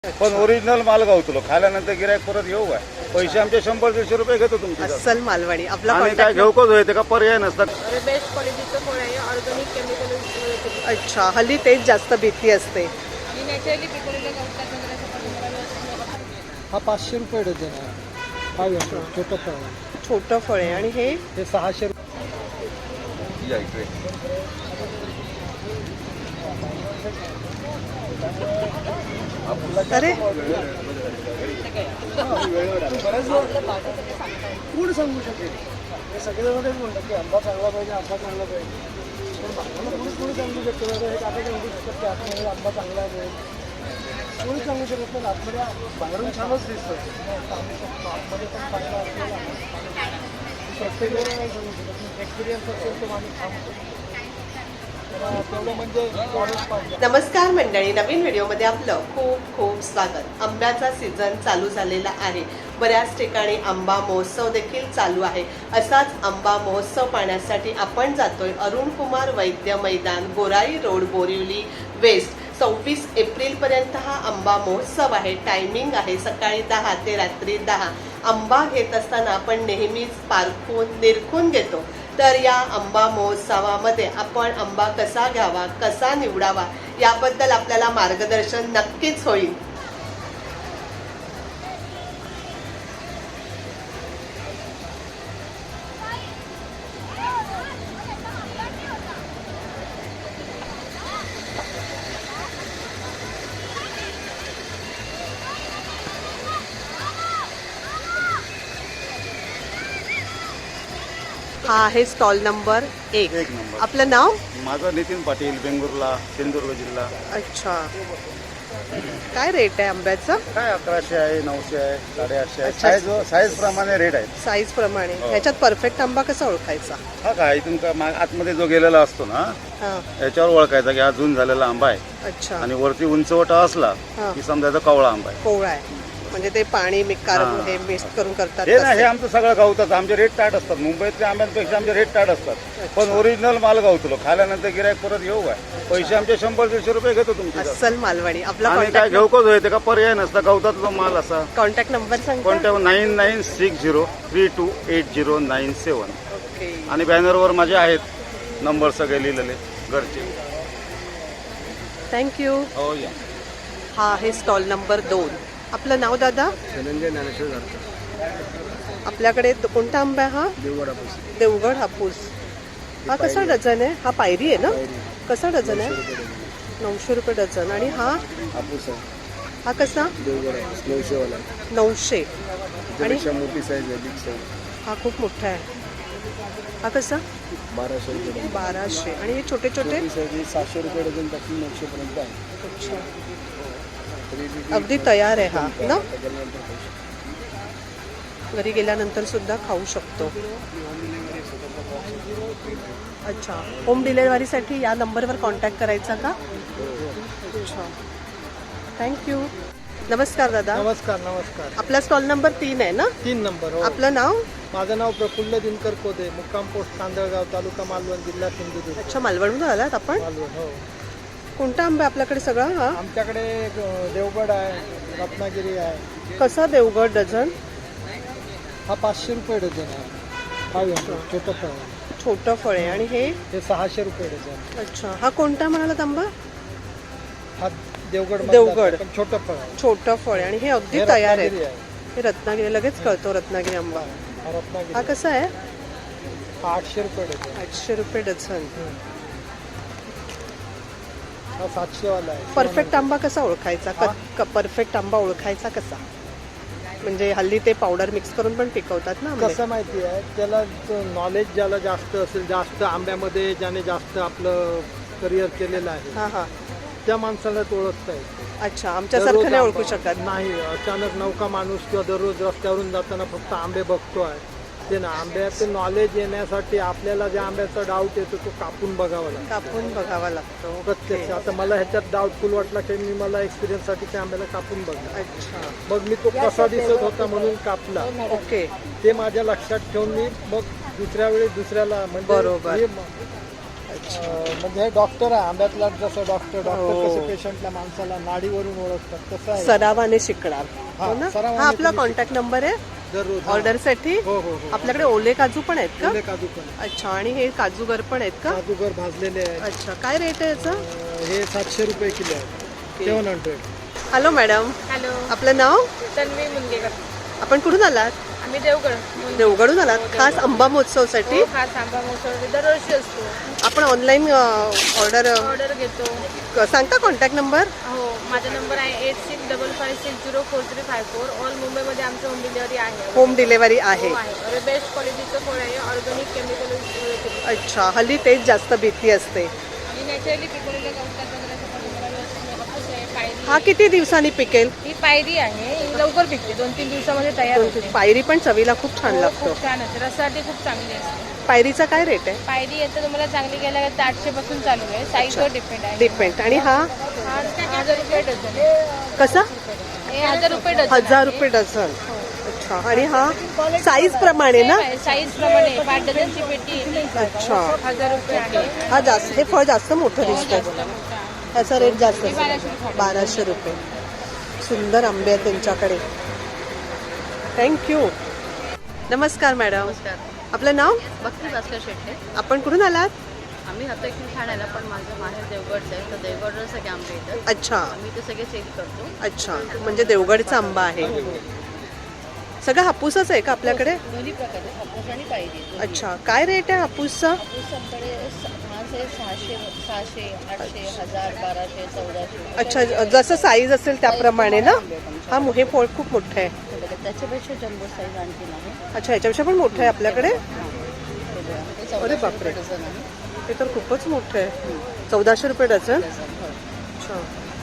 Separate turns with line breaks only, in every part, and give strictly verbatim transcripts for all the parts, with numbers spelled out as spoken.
पण ओरिजिनल माल गावतो खाल्यानंतर गिरायक परत येऊ काय पैसे आमचे शंभर दीडशे रुपये घेतो तुमचे
अस्सल मालवणी आपला
आणि काय
कॉन्टॅक्ट
घेऊ का होते का पर्याय नसतात.
बेस्ट क्वालिटीचं फळ आहे ऑर्गॅनिक केमिकल
अच्छा हल्ली तेच जास्त भीती असते.
आणि नॅचरली पिकवलेल्या गवतात वगैरे
हा पाचशे रुपये डझन आहे. फाईव्ह हंड्रेड छोटं फळ आहे.
छोटं फळ आहे आणि हे
हे सहाशे रुपये.
अरे
कोण सांगू शकेल हे सगळेजण तेच म्हणतात की आंबा चांगला पाहिजे आंबा चांगला पाहिजे पण बाबांना कोणी कोणी सांगू शकतो बाबा हे काका सांगू शकतात की आतमध्ये आंबा चांगला आहे कोणी सांगू शकत नाही. आतमध्ये बाहेरून छानच दिसतं आतमध्ये पण चांगला असलेला प्रत्येक वेळेला नाही सांगू शकत. एक्सपिरियन्स असेल तो माणूस सांगतो तेवढं म्हणजे नॉलेज पाहिजे.
नमस्कार मंडळी, नवीन व्हिडिओमध्ये आपलं खूप खूप स्वागत. आंब्याचा सीझन चालू झालेला आहे. बऱ्याच ठिकाणी आंबा महोत्सव देखील चालू आहे. असाच आंबा महोत्सव पाहण्यासाठी आपण जातोय अरुण कुमार वैद्य मैदान, गोराई रोड, बोरिवली वेस्ट. सव्वीस एप्रिल पर्यंत हा आंबा महोत्सव आहे. टायमिंग आहे सकाळी दहा ते रात्री दहा. आंबा घेत असताना आपण नेहमीच पारखून निरखून घेतो. तर या आंबा महोत्सवामध्ये आपण आंबा कसा घ्यावा, कसा निवडावा याबद्दल आपल्याला मार्गदर्शन नक्कीच होईल. हा आहे स्टॉल नंबर एक.
एक नंबर.
आपलं नाव?
माझं नितीन पाटील, बेंगुर्ला, सिंधुदुर्ग जिल्हा.
अच्छा, काय रेट आहे आंब्याचा?
काय अकराशे आहे, नऊशे आहे, साडेआठशे आहे.
अच्छा.
साईज साईज प्रमाणे रेट आहेत.
साईज प्रमाणे.
हो.
ह्याच्यात परफेक्ट आंबा कसा ओळखायचा?
हा काय इथून का मा- आतमध्ये जो गेलेला असतो ना
हा,
याच्यावर ओळखायचा की हा जून झालेला आंबा आहे.
अच्छा.
आणि वरती उंचवटा असला
हा.
की समजायचा कवळा आंबा आहे.
कोवळा आहे म्हणजे ते पाणी मिक्स
हा.
हे मिक्स करून करतात
हे ना हे
तसं.
आमचं सगळं गावतात. आमचे रेट टाट असतात. मुंबईतल्या आंब्यांपेक्षा आमचे रेट टाट असतात. पण ओरिजिनल माल गावतो खाल्यानंतर गिरायक परत येऊ काय पैसे आमचे शंभर दीडशे रुपये घेतो तुमचे
अस्सल मालवणी आपला
आणि काय
कॉन्टॅक्ट
घेऊ का होते का पर्याय नसता गावतातला माल असा.
कॉन्टॅक्ट नंबर सांगता?
कोणत्या nine nine six zero three two eight zero nine seven.
Okay.
आणि बॅनरवर माझे आहेत नंबर सगळे लिहिलेले घरचे.
थँक्यू.
हो या.
हा आहे स्टॉल नंबर दोन. आपलं नाव दादा?
धनंजय ज्ञानेश्वर जातात
आपल्याकडे तो कोणता आंबा आहे हा?
देवगड हापूस.
देवगड हापूस. हा कसा डझन आहे? हा पायरी आहे ना? कसा डझन आहे? नऊशे रुपये डझन. आणि हा
हापूस आहे.
हा कसा?
देवगड हापूस नऊशेवाला.
नऊशे. आणि
मोठी साईज आहे, बिग साईज.
हा खूप मोठा आहे. हा कसा?
बाराशे रुपये.
बाराशे. आणि हे छोटे छोटे?
छोटी साईज सातशे रुपये डझन पासून नऊशे पर्यंत आहे.
अच्छा, अगदी तयार आहे हा ना? घरी गेल्यानंतर सुद्धा खाऊ शकतो. अच्छा, होम डिलेवरीसाठी या नंबरवर कॉन्टॅक्ट करायचा का? अच्छा, थँक्यू. नमस्कार दादा.
नमस्कार नमस्कार.
आपला स्टॉल नंबर तीन आहे ना?
तीन नंबर. हो.
आपलं नाव?
माझं नाव प्रफुल्ल दिनकर कोदे, मुक्काम पोस्ट तांदळगाव, तालुका मालवण, जिल्हा सिंधुदुर्ग.
अच्छा, मालवणहून आलात आपण?
मालवण. हो.
कोणता आंबा आहे आपल्याकडे सगळा? हा
आमच्याकडे अ, देवगड आहे, रत्नागिरी आहे.
कसा देवगड डझन?
हा पाचशे रुपये डझन आहे. फाईव्ह हंड्रेड छोटं फळ आहे.
छोटं फळ आहे. आणि हे?
हे सहाशे रुपये डझन.
अच्छा, हा कोणता म्हणालात आंबा?
हा देवगड
देवगड.
पण छोटं फळ आहे.
छोटं फळ आहे. आणि हे अगदी
हे
तयार
रत्नागिरी
आहे.
आहे.
हे रत्नागिरी, लगेच कळतो रत्नागिरी आंबा.
हा रत्नागिरी.
हा कसा आहे?
हा आठशे रुपये डझन.
आठशे रुपये डझन.
हा सातशेवाला आहे.
परफेक्ट आंबा कसा ओळखायचा? क- परफेक्ट आंबा ओळखायचा कसा? म्हणजे हल्ली ते पावडर मिक्स करून पण पिकवतात ना आंबे.
कसं माहिती आहे, त्याला नॉलेज ज्याला जास्त असेल, जास्त आंब्यामध्ये ज्याने जास्त आपलं करिअर केलेलं आहे,
हा हा.
त्या माणसाला तो ओळखता येतो.
अच्छा, आमच्यासारखं नाही ओळखू
दररोज
शकत.
आंबा- नाही. अचानक नौका माणूस किंवा दररोज रस्त्यावरून जाताना फक्त आंबे बघतो आहे ते ना. आंब्याचं नॉलेज येण्यासाठी आपल्याला ज्या आंब्याचा डाऊट येतो तो कापून बघावा लागतो.
कापून बघावा लागतो.
प्रत्यक्ष. आता मला ह्याच्यात डाऊटफुल वाटला की मी मला एक्सपिरियन्ससाठी त्या आंब्याला कापून बघला.
अच्छा,
मग मी तो कसा दिसत होता म्हणून कापला.
ओके.
ते माझ्या लक्षात ठेवून मी मग दुसऱ्या वेळी दुसऱ्याला म्हणजे
बरोबर.
हे म- अं, म्हणजे हे डॉक्टर आहे आंब्यातला, जसं डॉक्टर
हो.
डॉक्टर कसे पेशंटला माणसाला नाडीवरून ओळखतात तसं आहे.
सरावाने शिकणार
हा,
हो ना?
सरावाने
हा आपला
तुम्ही
कॉन्टॅक्ट नंबर आहे
दररोज हा.
ऑर्डरसाठी.
हो हो हो
आपल्याकडे ओले काजू पण आहेत का?
ओले काजू पण आहे.
अच्छा, आणि हे काजूगर पण आहेत का?
काजूगर भाजलेले आहेत.
अच्छा, काय रेट आहे याचा?
अं, हे सातशे रुपये किलो आहे, seven hundred.
Hello madam,
hello,
आपलं नाव?
तन्वी मुनगेकर.
आपण कुठून आलात?
आम्ही देवगड.
देवगडून आलात खास आंबा महोत्सवसाठी?
हो, खास आंबा महोत्सव दरवर्षी असतो.
आपण ऑनलाईन ऑर्डर
ऑर्डर घेतो.
सांगता कॉन्टॅक्ट नंबर?
हो, माझा नंबर आहे eight six double five six zero four three five four. All मुंबईमध्ये आमचं होम डिलिव्हरी आहे.
होम डिलेवरी आहे.
हो आहे. अरे बेस्ट क्वालिटीचं फळ आहे, ऑर्गॅनिक केमिकल.
अच्छा, हल्ली तेच जास्त भीती असते.
आणि नॅचरली पिकवलेल्या गवतात वगैरे मला व्यवस्थित हापूस आहे, पायरी.
हा किती दिवसांनी पिकेल?
ही पायरी आहे, ही लवकर पिकते, दोन तीन दिवसामध्ये तयार होते.
पायरी पण चवीला खूप छान
हो,
लागतो.
खूप छान असते, रसासाठी खूप चांगली असते.
पायरीचा काय रेट आहे?
पायरी येतं तुम्हाला चांगली घ्यायला तर आठशे पासून चालू आहे, साईजवर डिपेंड आहे.
डिपेंड. आणि हा
हा हजार रुपये डझन आहे.
कसा?
हे हजार रुपये डझन
हजार
आहे.
रुपये डझन. अच्छा, आणि हा साईज प्रमाणे ना?
साईज प्रमाणे पाच डझनची पेटी येते.
अच्छा,
हजार रुपये आहे.
हा जास्त, हे फळ जास्त मोठं दिसतं. ह्याचा रेट जास्त
हे बाराशे
असेल.
रुपये.
बाराशे रुपये. सुंदर आंबे आहेत त्यांच्याकडे. थँक्यू. नमस्कार मॅडम, आपलं नाव?
भक्ती भास्कर शेट्टे.
आपण कुठून आलात?
आम्ही राहतो इकडे ठाण्याला, पण माझं माहेर देवगडचं आहे, तर देवगडवर सगळे आंबे येतात.
अच्छा
आम्ही ते सगळे सेल करतो.
अच्छा, म्हणजे देवगडचा आंबा आहे. सगळं हापूसच आहे का आपल्याकडे?
दोन्ही प्रकारचे हापूस आणि पायरी.
अच्छा, काय रेट आहे हापूसचा?
हापूस आमच्याकडे माझं आहे सहाशे सहाशे आठशे हजार बाराशे चौदाशे.
अच्छा, जसं साईज असेल त्याप्रमाणे ना? हा मो- हे फळ खूप मोठं आहे.
त्याच्यापेक्षा जम्बो साईज आणखी आहे.
अच्छा, याच्यापेक्षा पण मोठं आहे आपल्याकडे?
ते चौदाशे
अरे बापरे.
रुपये डझन आहे.
ते तर खूपच मोठं आहे. चौदाशे रुपये डझन.
डझन हो.
अच्छा,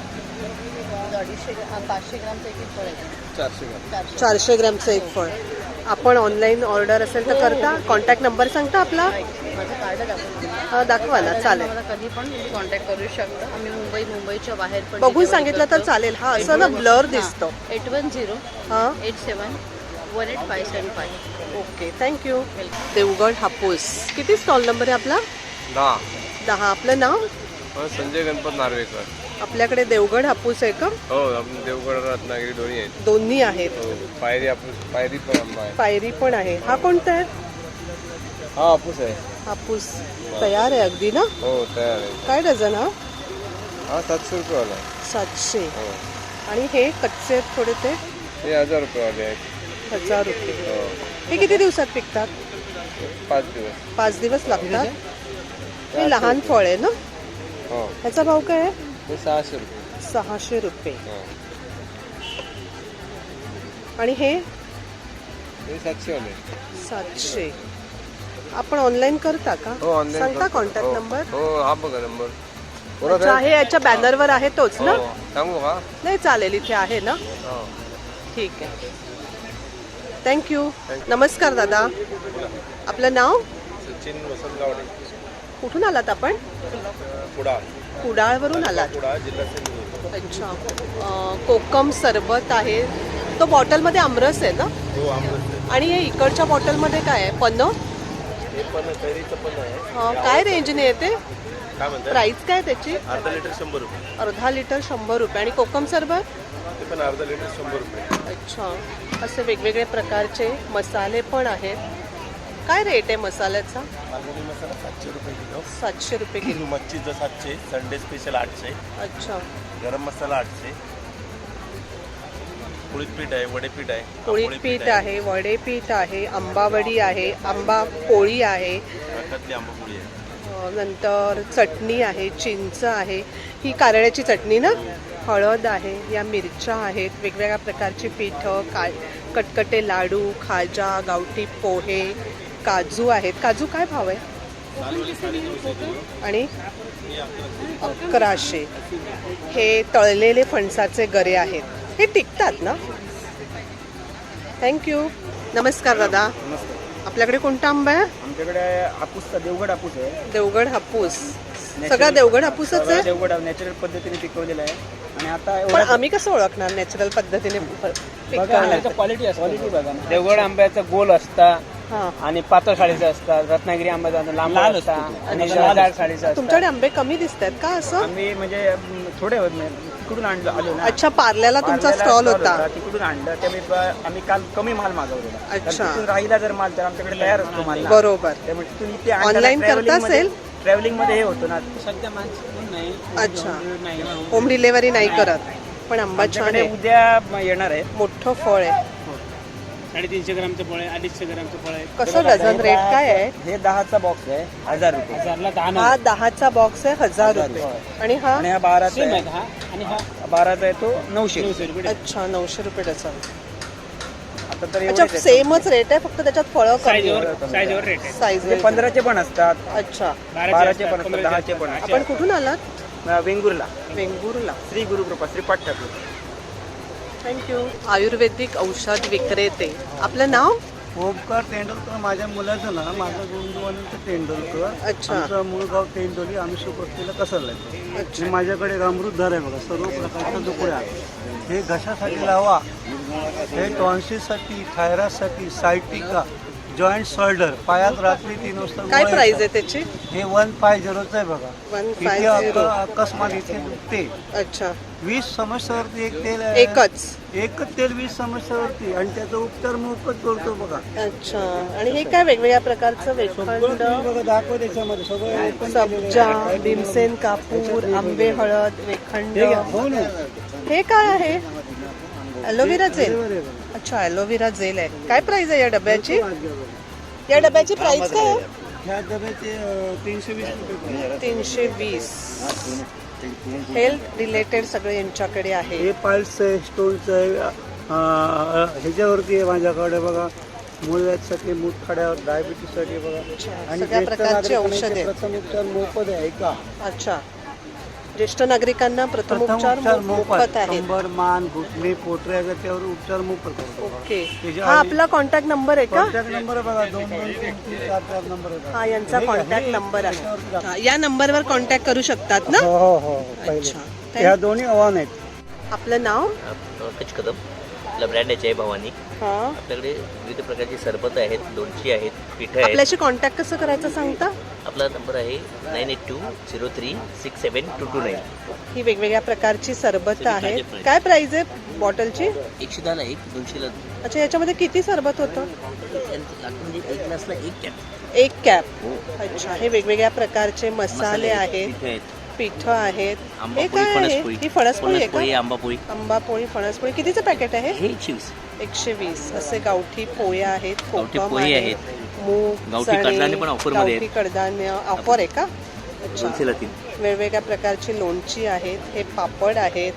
अडीचशे ग्राम पाचशे ग्रामचं एक एक फळ आहे.
चारशे ग्राम.
चारशे
चारशे ग्रॅमचं एक फळ. आपण ऑनलाईन ऑर्डर असेल तर करता? कॉन्टॅक्ट नंबर सांगता आपला?
माझं कार्ड दाखवतो.
हा, दाखवा ना, चालेल.
मला कधी पण तुम्ही कॉन्टॅक्ट करू शकता. आम्ही मुंबई मुंबईच्या बाहेर पण
बघून
delivery
सांगितलं तर
करतो.
चालेल. हा, असं ना ब्लर दिसतं.
एट वन झिरो
हा,
eight seven one eight five seven five.
Okay, thank you. Devgad Hapus. किती स्टॉल नंबर आहे आपला?
दहा.
दहा. आपलं नाव?
संजय गणपत नार्वेकर.
आपल्याकडे देवगड हापूस आहे का?
हो, आपण देवगड रत्नागिरी दोन्ही आहेत.
दोन्ही आहेत.
हो, पायरी हापूस, पायरी पण आंबा आहे.
पायरी पण आहे. हा कोणता आहे?
हा हापूस आहे.
हापूस तयार आहे अगदी ना?
हो, तयार आहे.
काय डझन हा?
हा सातशे रुपये वाला आहे.
सातशे.
हो,
आणि हे कच्चे आहेत थोडे, ते
हे हजार रुपये वाले आहेत.
हजार रुपये.
हो,
हे किती दिवसात पिकतात?
पाच दिवस.
पाच दिवस लागतात. हे लहान फळ आहे ना?
हो,
ह्याचा भाव काय आहे?
हे सहाशे रुपये.
सहाशे रुपये.
हो,
आणि हे
हे सातशे वाले आहेत.
सातशे. आपण ऑनलाईन करता का?
हो, ऑनलाईन
सांगता
करतो.
कॉन्टॅक्ट
हो,
नंबर?
हो, हा बघा नंबर. परत
अच्छा,
आहे?
हे याच्या बॅनरवर आहे तोच ना?
हो, सांगू का?
नाही, चालेल, इथे आहे ना?
हो.
ठीक आहे. थँक्यू. नमस्कार दादा, आपलं नाव?
सचिन वसंत गावडे.
कुठून आलात आपण?
कुडाळ.
कुडाळवरून आलात.
कुडाळ जिल्हा सिंधुदुर्ग.
अच्छा. अं, कोकम सरबत आहे. तो बॉटलमध्ये आमरस आहे ना?
हो, आंबट.
आणि हे इकडच्या बॉटलमध्ये काय आहे? पन्नं?
हे पण कैरीचं पण आहे.
अं, काय रेंजने येते?
काय म्हणतात?
प्राइस काय त्याची?
अर्धा लिटर शंभर रुपये.
अर्धा लिटर शंभर रुपये. आणि कोकम सरबत?
ते पण अर्धा लिटर शंभर रुपये.
अच्छा. असे वेगवेगळे प्रकारचे मसाले पण आहेत. काय रेट आहे मसाल्याचा?
मालवणी मसाला सातशे रुपये किलो.
सातशे रुपये किलो.
मच्छीचं सातशे, संडे स्पेशल आठशे,
अच्छा.
गरम मसाला आठशे, कुळीत पीठ आहे, वडेपीठ आहे,
पोळी
आंबोळी
पीठ आहे, वडे पीठ आहे, आंबावडी आहे, आंबा पोळी आहे,
रकातली आंबापोळी आहे.
अं, नंतर चटणी आहे, चिंच आहे, ही कारळ्याची चटणी ना, हळद आहे, या मिरच्या आहेत, वेगवेगळ्या प्रकारची पीठं, का कटकटे लाडू, खाजा, गावठी पोहे, काजू आहेत. काजू काय भाव आहे? आणि अकराशे. हे तळलेले फणसाचे गरे आहेत. हे टिकतात ना? थँक्यू. नमस्कार दादा, आपल्याकडे कोणता आंबा आहे?
आमच्याकडे हापूसचा देवगड हापूस आहे.
देवगड हापूस. सगळा देवगड हापूसच
सगळा
आहे?
देवगड नॅचरल पद्धतीने पिकवलेला आहे. आणि आता
पण
एवढा
आम्ही कसं ओळखणार नॅचरल पद्धतीने
बघा
पिकवणार?
क्वालिटी क्वालिटी बघा ना. देवगड आंब्याचा गोल असता,
हा.
आणि पातळ साडीचे असतात, रत्नागिरी आंबा जातात, लांब असतात आणि जाड साडीचे असतात.
तुमच्याकडे आंबे कमी दिसत आहेत का असं?
आम्ही म्हणजे अं, थोडे होत नाही, तिकडून आणलो आलो ना.
अच्छा, पार्ल्याला तुमचा
पार्ल्याला
स्टॉल
stall
होता.
तिकडून आणलं त्यामुळे ब- आम्ही काल कमी माल मागवलेला. तर
अच्छा.
तिथून राहिला जर माल तर आमच्याकडे तयार असतो माल ना.
बरोबर.
त्यामुळे तिथून इथे
Online करता असेल?
ट्रॅव्हलिंग मध्ये हे होतं ना सध्या माणसं नाही.
अच्छा.
नाही
होम डिलेव्हरी नाही करत, पण आंबा छान
आमच्याकडे
आहे,
उद्या म- येणार आहे.
मोठं फळ आहे.
साडेतीनशे ग्रामचं फळ आहे, अडीचशे ग्रामचं फळ आहे.
कसं डझन रेट काय आहे?
हे दहाचा बॉक्स आहे हजार रुपये
हजारला दहा
हा दहाचा बॉक्स आहे हजार रुपये आणि हा
आणि हा बाराचा
सेम
आहे.
आहे हा आणि हा
बाराचा आहे तो नऊशे.
नऊशे रुपये.
अच्छा नऊशे रुपये डझन.
आता तर
अच्छा
एवढेच आहे.
सेमच रेट आहे, फक्त त्याच्यात फळं कमी
साईजवर साईजवर रेट आहे.
साईज
म्हणजे पंधराचे पण असतात,
अच्छा.
बाराचे
असतात,
पण असतात,
पंधराचे
दहाचे पण
असतात.
असतात.
आपण कुठून आलात?
अं, वेंगुर्ला
वेंगुर्ला.
श्री गुरुकृपा श्री ठाकूर.
थँक्यू. आयुर्वेदिक औषध विक्रेते, आपलं नाव?
ओमकार तेंडुलकर. माझ्या मुलाचं ना, माझं गुंडूवानीचं तेंडुलकर.
अच्छा.
आमचं मूळ गाव तेंडोली, आम्ही सुपस्तीला कसरला आहे.
अच्छा.
आणि माझ्याकडे एक अमृतधार आहे बघा, सर्व प्रकारच्या दुकड्या आहेत. हे घशासाठी लावा, हे टॉन्सिलसाठी, थायरॉइडसाठी, सायटिका, जॉईंट शोल्डर, पायात रात्री तीन वाजता
काय
गोळ्या
प्राइस
येतात.
आहे त्याची?
हे वन फाय झिरोचं आहे बघा.
वन
इथे
फाय झिरो.
अक- अकस्मात इथे दुखते.
अच्छा.
वीस समस्यावरती एक तेल आहे.
एकच.
एकच तेल वीस समस्यावरती, आणि त्याचा उपचार मोफत करतो बघा.
अच्छा. आणि हे काय वेगवेगळ्या प्रकारचं
सगळं
वेखंड,
तुम्ही बघा, दाखवा त्याच्यामध्ये सगळं open केलेलं
सब्जा,
आहे.
भीमसेन कापूर, आंबे हळद, वेखंड.
हे घ्या. हो ना.
हे काय आहे? Aloe vera gel.
बरोबर आहे बघा.
अच्छा, ॲलोव्हेरा जेल आहे. काय प्राइस आहे या डब्याची? या डब्याची प्राइस काय आहे?
ह्या डब्याचे अं, तीनशे वीस रुपये.
तीनशे वीस. हेल्थ रिलेटेड सगळं यांच्याकडे आहे.
हे पाईल्स आहे, स्टोनचं आहे. अं, ह्याच्यावरती आहे माझ्याकडे बघा, मूळव्याधीसाठी, मूतखड्यावर, डायबिटीससाठी बघा. आणि
सगळ्या
ज्येष्ठ
प्रकारची
नागरिकांना
औषधे
इथे
आहेत.
प्रथम उपचार मोफत आहे. ऐका,
अच्छा. ज्येष्ठ नागरिकांना प्रथम
प्रथम
उपचार
उपचार
मोफत
मोफत.
आहेत.
कंबर, मान, घुटणे, पोटऱ्या, त्याच्यावर उपचार मोफत करतो.
ओके.
त्याच्या
हा
आधी-
आपला कॉन्टॅक्ट नंबर आहे का?
कॉन्टॅक्ट नंबर आहे बघा, दोन दोन तीन तीन चार चार नंबर आहे.
हा यांचा
हे घ्या,
कॉन्टॅक्ट
हे
नंबर आहे.
त्याच्यावरती दाखवा.
हा, या नंबरवर कॉन्टॅक्ट करू शकतात ना?
हो हो हो पहिले.
अच्छा.
ह्या दोन्ही आव्हान आहेत.
आपलं नाव?
पंकज कदम. आपला ब्रँड आहे जय भवानी.
हा.
आपल्याकडे विविध प्रकारची सरबत आहेत, लोणची आहेत, पिठं आहेत.
आपल्याशी कॉन्टॅक्ट कसं करायचं सांगता?
आपला नंबर आहे nine eight two zero three six seven two two nine.
ही वेगवेगळ्या प्रकारची सरबत
सगळी
आहे.
ताजे price.
काय प्राइस आहे बॉटलची?
एकशे दहाला एक, दोनशेला
अच्छा, याच्यामध्ये किती सरबत होतं?
म्हणजे एक ग्लासला एक कॅप.
एक कॅप. अच्छा. हे वेगवेगळ्या प्रकारचे मसाले आहेत,
पिठं आहेत,
पिठं आहेत. हे
आंबापोळी,
काय आहे?
फणसपोळी.
ही फणसपोळी आहे
फणसपोळी,
का?
आंबापोळी.
आंबापोळी, फणसपोळी. कितीचं पॅकेट आहे?
हे एकशे वीस.
एकशे वीस. असे गावठी पोळ्या आहेत,
गावठी
कोकम
पोळी
आहे,
आहेत.
मूग,
गावठी
चणे,
कडधान्य पण offer मध्ये
गावठी
आहेत.
कडधान्य ऑफर आहे का? अच्छा.
दोनशेला तीन.
वेगवेगळ्या प्रकारची लोणची आहेत, हे पापड आहेत.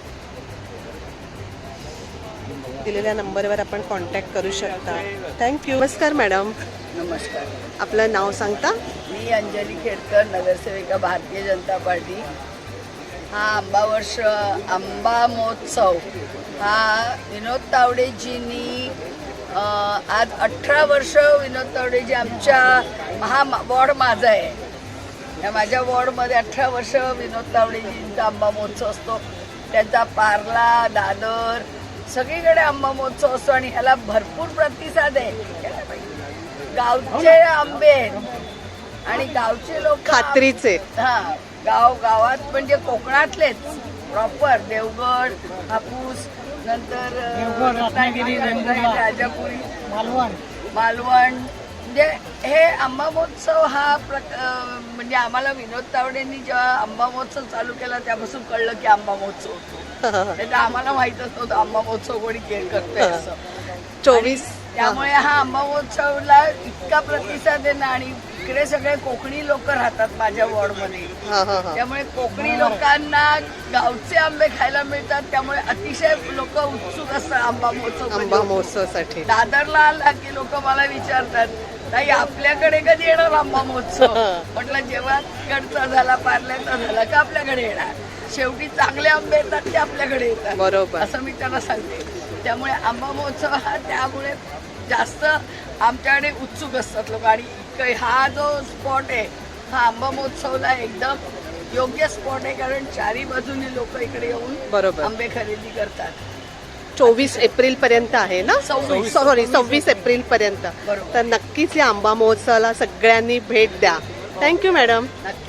दिलेल्या नंबरवर आपण कॉन्टॅक्ट करू शकता. थँक्यू. नमस्कार मॅडम,
नमस्कार.
आपलं नाव सांगता?
मी अंजली खेडकर, नगरसेविका भारतीय जनता पार्टी. हा आंबा वर्ष आंबा महोत्सव हा विनोद तावडेजींनी अं, आज अठरा वर्ष विनोद तावडेजी आमच्या हा वॉर्ड माझा आहे. या माझ्या वॉर्डमध्ये अठरा वर्ष विनोद तावडेजींचा आंबा महोत्सव असतो. त्यांचा पार्ला, दादर सगळीकडे आंबा महोत्सव असतो आणि ह्याला भरपूर प्रतिसाद आहे. गावचे आंबे आहेत आणि गावचे लोक
खात्रीचे.
हा गाव गावात म्हणजे कोकणातलेच प्रॉपर देवगड, हापूस, नंतर रत्नागिरी, राजापुरी, मालवण मालवण म्हणजे हे आंबा महोत्सव हा प्रक म्हणजे आम्हाला विनोद तावडेंनी जेव्हा आंबा महोत्सव चालू केला त्यापासून कळलं की आंबा महोत्सव होतो. नाही तर आम्हाला माहीतच नव्हतं आंबा महोत्सव कोणी केअर करतोय असं.
चोवीस.
त्यामुळे हा आंबा महोत्सवला इतका प्रतिसाद आहे ना. आणि इकडे सगळे कोकणी लोक राहतात माझ्या वॉर्डमध्ये,
हा हा हा.
त्यामुळे कोकणी लोकांना गावचे आंबे खायला मिळतात. त्यामुळे अतिशय लोक उत्सुक असतात आंबा महोत्सव.
आंबा महोत्सवासाठी.
दादरला आला की लोक मला विचारतात, ताई आपल्याकडे कधी येणार आंबा महोत्सव? म्हटलं जेव्हा तिकडचा झाला, पार्ल्याचा झाला का आपल्याकडे येणार. शेवटी चांगले आंबे येतात ते आपल्याकडे येतात,
बरोबर.
असं मी त्यांना सांगते. त्यामुळे आंबा महोत्सव हा त्यामुळे जास्त आमच्याकडे उत्सुक असतात लोक. आणि हा जो स्पॉट आहे हा आंबा महोत्सवला एकदम योग्य स्पॉट आहे, कारण चारी बाजूनी लोक इकडे येऊन
बरोबर
आंबे खरेदी करतात.
चोवीस एप्रिल पर्यंत आहे ना सॉरी सव्वीस एप्रिल पर्यंत. तर नक्कीच या आंबा महोत्सवाला सगळ्यांनी भेट द्या. Thank you madam.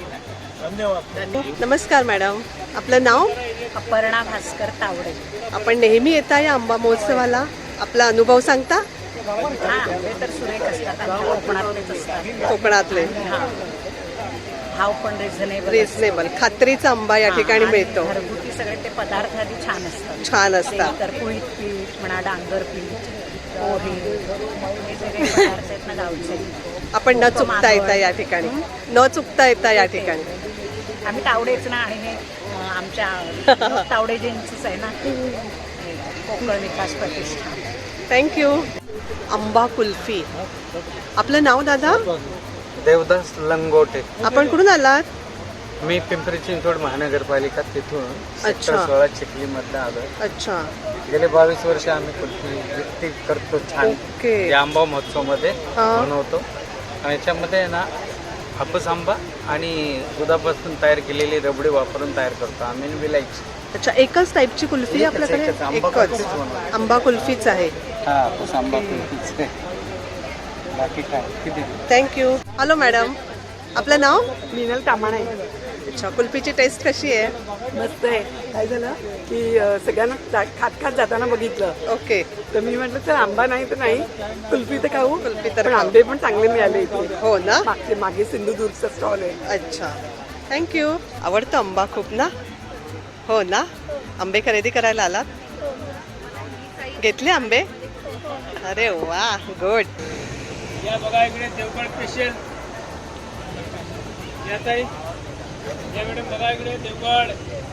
नमस्कार मॅडम, आपलं नाव?
अपर्णा भास्कर तावडे.
आपण नेहमी येता या आंबा महोत्सवाला, आपला अनुभव सांगता?
हा आंबे तर सुरेख असतात आणि कोकणातलेच असतात.
कोकणातले
भाव पण रिझनेबल.
रिझनेबल खात्रीचा आंबा या ठिकाणी मिळतो.
घरगुती सगळे ते पदार्थ आधी छान असतात.
छान असतात.
तर कुळीत पीठ म्हणा, डांगर पीठ, पोहे, हे सगळे पदार्थ आहेत ना गावचे.
आपण न चुकता येता या ठिकाणी, न चुकता येता या ठिकाणी.
आम्ही तावडेच ना, आणि हे अं, आमच्या तावडेजींचीच आहे ना, कोकण विकास प्रतिष्ठान.
थँक्यू. आंबा कुल्फी. आपलं नाव दादा?
देवदास लंगोटे.
आपण कुठून आलात?
मी पिंपरी चिंचवड महानगरपालिका तिथून
अच्छा.
सोळा चिखली मधला आलो.
अच्छा.
गेले बावीस वर्ष आम्ही कुल्फी विक्री करतो. छान
ओके.
या आंबा महोत्सव मध्ये
हा.
बनवतो. आणि याच्यामध्ये ना हापूस आंबा आणि दुधापासून तयार केलेली रबडी वापरून तयार करतो आम्ही. विलायची.
अच्छा, एकच टाईपची कुल्फी आहे आपल्याकडे?
एकच, आंबा
एकच
कुल्फीच बनवतो.
आंबा कुल्फीच आहे.
हा हापूस आंबा कुल्फीच आहे. बाकी काय किती.
थँक्यू. हॅलो मॅडम, आपलं नाव?
मिनल तामाणे.
अच्छा, कुल्फीची टेस्ट कशी आहे?
मस्त आहे. काय झालं की अं, सगळ्यांना जा- खात खात जाताना बघितलं,
ओके.
तर मी म्हटलं चल आंबा नाही तर नाही, कुल्फी तर खाऊ.
कुल्फी तर
पण
खाऊ.
आंबे पण चांगले मिळाले इथे.
हो ना?
मागचे मागे सिंधुदुर्गचा स्टॉल आहे.
अच्छा, थँक्यू. आवडतं आंबा खूप ना? हो ना? आंबे खरेदी करायला आलात? घेतले आंबे? अरे वा, गुड.
या बघा इकडे देवगड स्पेशल. या ताई, या मॅडम बघा इकडे देवगड.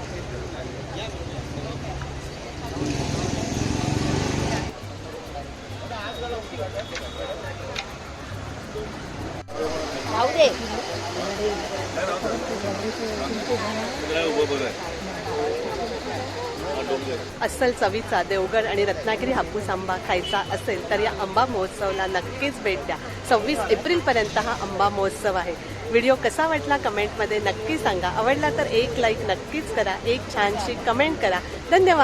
अस्सल चवीचा देवगड आणि रत्नागिरी हापूस आंबा खायचा असेल तर या आंबा महोत्सवाला नक्कीच भेट द्या. सव्वीस एप्रिलपर्यंत हा आंबा महोत्सव आहे. व्हिडिओ कसा वाटला कमेंटमध्ये नक्की सांगा. आवडला तर एक लाईक नक्कीच करा, एक छानशी कमेंट करा. धन्यवाद.